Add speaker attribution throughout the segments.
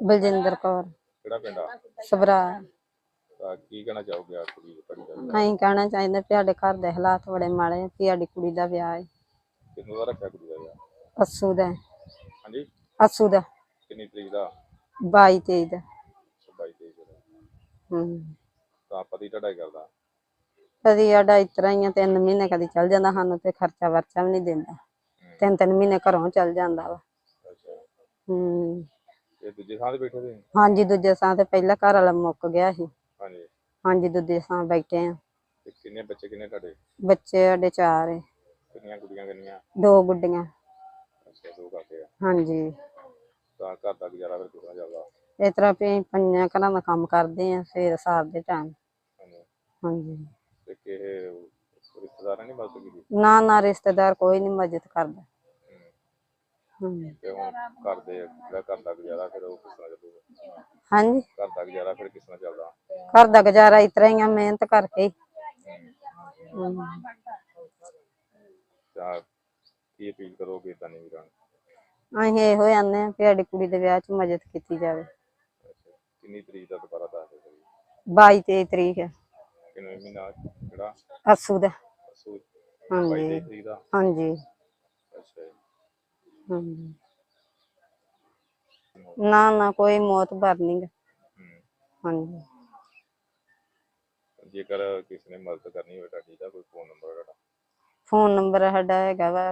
Speaker 1: ਬਲਜਿੰਦਰ ਕੌਰ।
Speaker 2: ਕਿਹੜਾ ਪਿੰਡ ਆ?
Speaker 1: ਸਭਰਾ।
Speaker 2: ਤਾਂ ਕੀ ਕਹਿਣਾ ਚਾਹੋਗੇ ਆ ਕੁੜੀ ਤੁਹਾਡੀ ਦਾ?
Speaker 1: ਅਸੀਂ ਕਹਿਣਾ ਚਾਹੀਦਾ ਵੀ ਸਾਡੇ ਘਰ ਦੇ ਹਾਲਾਤ ਬੜੇ ਮਾੜੇ ਆ, ਵੀ ਸਾਡੀ ਕੁੜੀ ਦਾ ਵਿਆਹ ਹੈ।
Speaker 2: ਕਿੰਨੂੰ ਦਾ ਰੱਖਿਆ ਕੁੜੀ ਦਾ ਵਿਆਹ?
Speaker 1: ਅੱਸੂ ਦਾ।
Speaker 2: ਹਾਂਜੀ,
Speaker 1: ਅੱਸੂ ਦਾ।
Speaker 2: ਕਿੰਨੀ ਤਰੀਕ ਦਾ?
Speaker 1: 22-23 ਦਾ।
Speaker 2: 22-23 ਦਾ। ਤਾਂ ਪਤੀ ਤੁਹਾਡਾ ਹੀ ਕਰਦਾ?
Speaker 1: ਕਦੀ ਸਾਡਾ ਇਸ ਤਰ੍ਹਾਂ ਹੀ ਆ, 3 ਮਹੀਨੇ ਕਦੀ ਚੱਲ ਜਾਂਦਾ, ਸਾਨੂੰ ਤੇ ਖਰਚਾ ਵਰਚਾ ਵੀ ਨਹੀਂ ਦਿੰਦਾ। 3-3 ਮਹੀਨੇ ਘਰੋਂ ਚੱਲ ਜਾਂਦਾ ਵਾ।
Speaker 2: ਇਹ ਦੂਜੇ ਥਾਂ ਤੇ ਬੈਠੇ ਸੀ?
Speaker 1: ਹਾਂਜੀ, ਦੂਜੇ ਥਾਂ ਤੇ। ਪਹਿਲਾਂ ਘਰ ਵਾਲਾ ਮੁੱਕ ਗਿਆ ਸੀ।
Speaker 2: ਹਾਂਜੀ
Speaker 1: ਹਾਂਜੀ, ਦੂਜੇ ਥਾਂ ਬੈਠੇ ਆ।
Speaker 2: ਤੇ ਕਿੰਨੇ ਬੱਚੇ ਕਿੰਨੇ ਤੁਹਾਡੇ?
Speaker 1: ਬੱਚੇ ਸਾਡੇ 4 ਹੈ।
Speaker 2: ਕਿੰਨੀਆਂ ਕੁੜੀਆਂ ਕਿੰਨੀਆਂ?
Speaker 1: 2 ਗੁੱਡੀਆਂ।
Speaker 2: ਅੱਛਾ, 2 ਕਾਕੇ ਆ।
Speaker 1: ਹਾਂਜੀ।
Speaker 2: ਤਾਂ ਘਰ ਦਾ ਗੁਜ਼ਾਰਾ ਫਿਰ ਕਿੱਦਾਂ ਚੱਲਦਾ?
Speaker 1: ਇਸ ਤਰ੍ਹਾਂ ਵੀ 5 ਘਰਾਂ ਦਾ ਕੰਮ ਕਰਦੇ ਆ ਸਵੇਰ ਸਾਰ ਦੇ ਟਾਈਮ। ਹਾਂਜੀ।
Speaker 2: ਤੇ ਕਿਸੇ ਰਿਸ਼ਤੇਦਾਰਾਂ ਨਹੀਂ ਮਦਦ ਕੀਤੀ?
Speaker 1: ਨਾ ਰਿਸ਼ਤੇਦਾਰ ਕੋਈ ਨਹੀਂ ਮਦਦ ਕਰਦਾ।
Speaker 2: ਤੇ ਹੁਣ ਘਰ ਦਾ ਗੁਜ਼ਾਰਾ ਫਿਰ ਉਹ ਕਿਸ ਤਰ੍ਹਾਂ ਚੱਲੂਗਾ?
Speaker 1: ਹਾਂਜੀ,
Speaker 2: ਘਰ ਦਾ ਗੁਜ਼ਾਰਾ ਫਿਰ ਕਿਸ ਤਰ੍ਹਾਂ ਚੱਲਦਾ?
Speaker 1: ਘਰ ਦਾ ਗੁਜ਼ਾਰਾ ਇਸ ਤਰ੍ਹਾਂ ਹੀ ਆ, ਮਿਹਨਤ ਕਰਕੇ।
Speaker 2: ਤਾਂ ਕੀ ਅਪੀਲ ਕਰੋਗੇ ਏਦਾਂ ਨਹੀਂ ਵੀਰਾਂ?
Speaker 1: ਅਸੀਂ ਇਹੋ ਆਨੇ ਆ ਵੀ ਸਾਡੀ ਕੁੜੀ ਦੇ ਵਿਆਹ 'ਚ ਮਦਦ ਕੀਤੀ ਜਾਵੇ।
Speaker 2: ਕਿੰਨੀ ਤਰੀਕ ਦਾ ਦੁਬਾਰਾ ਦੱਸ ਦਿਓ?
Speaker 1: 22-23 ਤਰੀਕ ਹੈ।
Speaker 2: ਕਿੰਨੇ ਮਹੀਨਾ ਕਿਹੜਾ?
Speaker 1: ਅੱਸੂ ਦਾ।
Speaker 2: ਅੱਸੂ।
Speaker 1: ਹਾਂਜੀ
Speaker 2: 22-23 ਤਰੀਕ ਦਾ?
Speaker 1: ਹਾਂਜੀ।
Speaker 2: ਅੱਛਾ ਜੀ।
Speaker 1: ਹਾਂਜੀ। ਨਾ ਕੋਈ ਮੌਤਬਰ ਨੀ ਗਾ। ਹਾਂਜੀ।
Speaker 2: ਜੇਕਰ ਕਿਸੇ ਨੇ ਮਦਦ ਕਰਨੀ ਹੋਵੇ ਤੁਹਾਡੀ ਦਾ ਕੋਈ ਫੋਨ ਨੰਬਰ ਤੁਹਾਡਾ?
Speaker 1: ਫੋਨ ਨੰਬਰ ਸਾਡਾ ਹੈਗਾ ਵਾ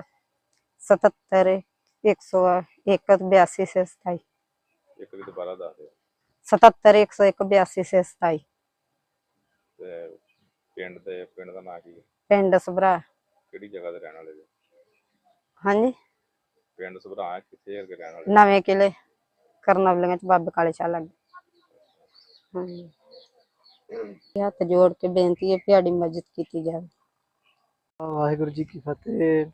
Speaker 1: 77-101-8227।
Speaker 2: ਇੱਕ ਵੀ ਦੁਬਾਰਾ ਦੱਸ ਦਿਓ।
Speaker 1: 77-101-8227।
Speaker 2: ਤੇ ਪਿੰਡ ਦਾ ਨਾਂ ਕੀ?
Speaker 1: ਪਿੰਡ ਸਭਰਾ।
Speaker 2: ਕਿਹੜੀ ਜਗ੍ਹਾ ਤੇ ਰਹਿਣ ਵਾਲੇ ਜੀ?
Speaker 1: ਹਾਂਜੀ,
Speaker 2: ਪਿੰਡ ਸਭਰਾ ਕਿੱਥੇ ਹੈਗੇ ਰਹਿਣ ਵਾਲੇ?
Speaker 1: ਨਵੇਂ ਕਿਲੇ ਕਰਨਵਲੀਆਂ 'ਚ ਬਾਬੇ ਕਾਲੇ ਸ਼ਾਹ ਲੱਗੇ। ਹਾਂਜੀ। ਹੱਥ ਜੋੜ ਕੇ ਬੇਨਤੀ ਹੈ ਵੀ ਸਾਡੀ ਮਦਦ ਕੀਤੀ ਜਾਵੇ।
Speaker 3: ਵਾਹਿਗੁਰੂ ਜੀ ਕੀ ਫਤਿਹ।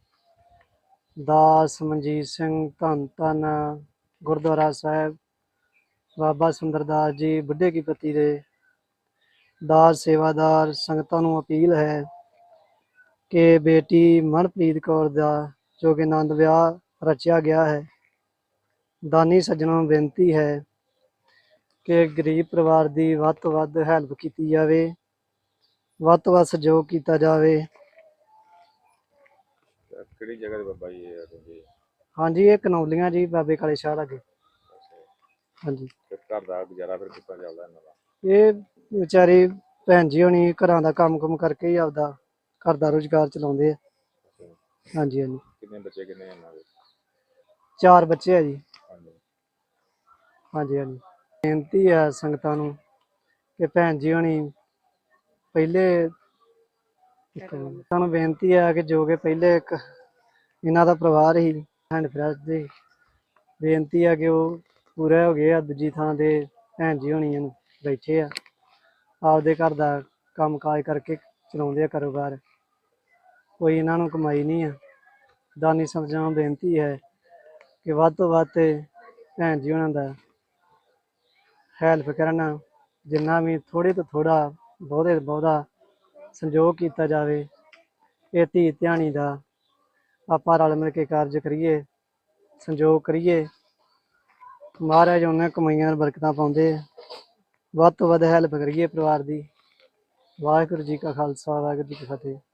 Speaker 3: ਦਾਸ ਮਨਜੀਤ ਸਿੰਘ ਧੰਨ ਗੁਰਦੁਆਰਾ ਸਾਹਿਬ ਬਾਬਾ ਸੁੰਦਰਦਾਸ ਜੀ ਬੁੱਢੇ ਕੀ ਪੱਤੀ ਦੇ ਦਾਸ ਸੇਵਾਦਾਰ ਸੰਗਤਾਂ ਨੂੰ ਅਪੀਲ ਹੈ ਕਿ ਬੇਟੀ ਮਨਪ੍ਰੀਤ ਕੌਰ ਦਾ ਜੋ ਕਿ ਆਨੰਦ ਵਿਆਹ ਰਚਿਆ ਗਿਆ ਹੈ, ਦਾਨੀ ਸੱਜਣਾਂ ਨੂੰ ਬੇਨਤੀ ਹੈ ਕਿ ਗਰੀਬ ਪਰਿਵਾਰ ਦੀ ਵੱਧ ਤੋਂ ਵੱਧ ਹੈਲਪ ਕੀਤੀ ਜਾਵੇ, ਵੱਧ ਤੋਂ ਵੱਧ ਸਹਿਯੋਗ ਕੀਤਾ ਜਾਵੇ।
Speaker 2: ਕਿਹੜੀ ਜਗ੍ਹਾ ਤੇ ਬਾਬਾ ਜੀ ਇਹ?
Speaker 3: ਹਾਂਜੀ, ਇਹ ਕਨੌਲੀਆਂ ਜੀ ਬਾਬੇ ਕਾਲੇ ਸ਼ਾਹ ਲਾਗੇ। ਹਾਂਜੀ।
Speaker 2: ਘਰ ਦਾ ਗੁਜ਼ਾਰਾ ਫਿਰ ਕਿੱਦਾਂ ਚੱਲਦਾ ਇਹਨਾਂ ਦਾ?
Speaker 3: ਇਹ ਵਿਚਾਰੀ ਭੈਣ ਜੀ ਹੋਣੀ ਘਰਾਂ ਦਾ ਕੰਮ ਕਰਕੇ ਹੀ ਆਪਦਾ ਘਰ ਦਾ ਰੁਜ਼ਗਾਰ ਚਲਾਉਂਦੇ ਆ। ਹਾਂਜੀ।
Speaker 2: ਕਿੰਨੇ ਬੱਚੇ ਕਿੰਨੇ ਇਹਨਾਂ ਦੇ?
Speaker 3: 4 ਬੱਚੇ ਆ ਜੀ। ਹਾਂਜੀ। ਬੇਨਤੀ ਹੈ ਸੰਗਤਾਂ ਨੂੰ ਕਿ ਭੈਣ ਜੀ ਹੋਣੀ ਪਹਿਲੇ ਸਾਨੂੰ ਬੇਨਤੀ ਹੈ ਕਿ ਜੋ ਕਿ ਪਹਿਲੇ ਇੱਕ ਇਹਨਾਂ ਦਾ ਪਰਿਵਾਰ ਹੀ ਹੈਂਡ ਫਰੈਸ਼ ਦੇ ਬੇਨਤੀ ਹੈ ਕਿ ਉਹ ਪੂਰੇ ਹੋ ਗਏ ਆ। ਦੂਜੀ ਥਾਂ ਤੇ ਭੈਣ ਜੀ ਹੋਣੀ ਬੈਠੇ ਆ, ਆਪਦੇ ਘਰ ਦਾ ਕੰਮ ਕਾਜ ਕਰਕੇ ਚਲਾਉਂਦੇ ਆ ਕਾਰੋਬਾਰ। ਕੋਈ ਇਹਨਾਂ ਨੂੰ ਕਮਾਈ ਨਹੀਂ ਆ। ਦਾਨੀ ਸੱਜਣਾਂ ਨੂੰ ਬੇਨਤੀ ਹੈ ਕਿ ਵੱਧ ਤੋਂ ਵੱਧ ਭੈਣ ਜੀ ਉਹਨਾਂ ਦਾ ਹੈਲਪ ਕਰਨ, ਜਿੰਨਾ ਵੀ ਥੋੜ੍ਹੇ ਤੋਂ ਥੋੜ੍ਹਾ ਬਹੁਤੇ ਤੋਂ ਬਹੁਤਾ ਸੰਯੋਗ ਕੀਤਾ ਜਾਵੇ। ਇਹ ਧੀ ਧਿਆਣੀ ਦਾ ਆਪਾਂ ਰਲ ਮਿਲ ਕੇ ਕਾਰਜ ਕਰੀਏ, ਸੰਯੋਗ ਕਰੀਏ। ਮਹਾਰਾਜ ਉਹਨਾਂ ਕਮਾਈਆਂ ਬਰਕਤਾਂ ਪਾਉਂਦੇ ਆ। ਵੱਧ ਤੋਂ ਵੱਧ ਹੈਲਪ ਕਰੀਏ ਪਰਿਵਾਰ ਦੀ। ਵਾਹਿਗੁਰੂ ਜੀ ਕਾ ਖਾਲਸਾ, ਵਾਹਿਗੁਰੂ ਜੀ ਕੀ ਫਤਿਹ।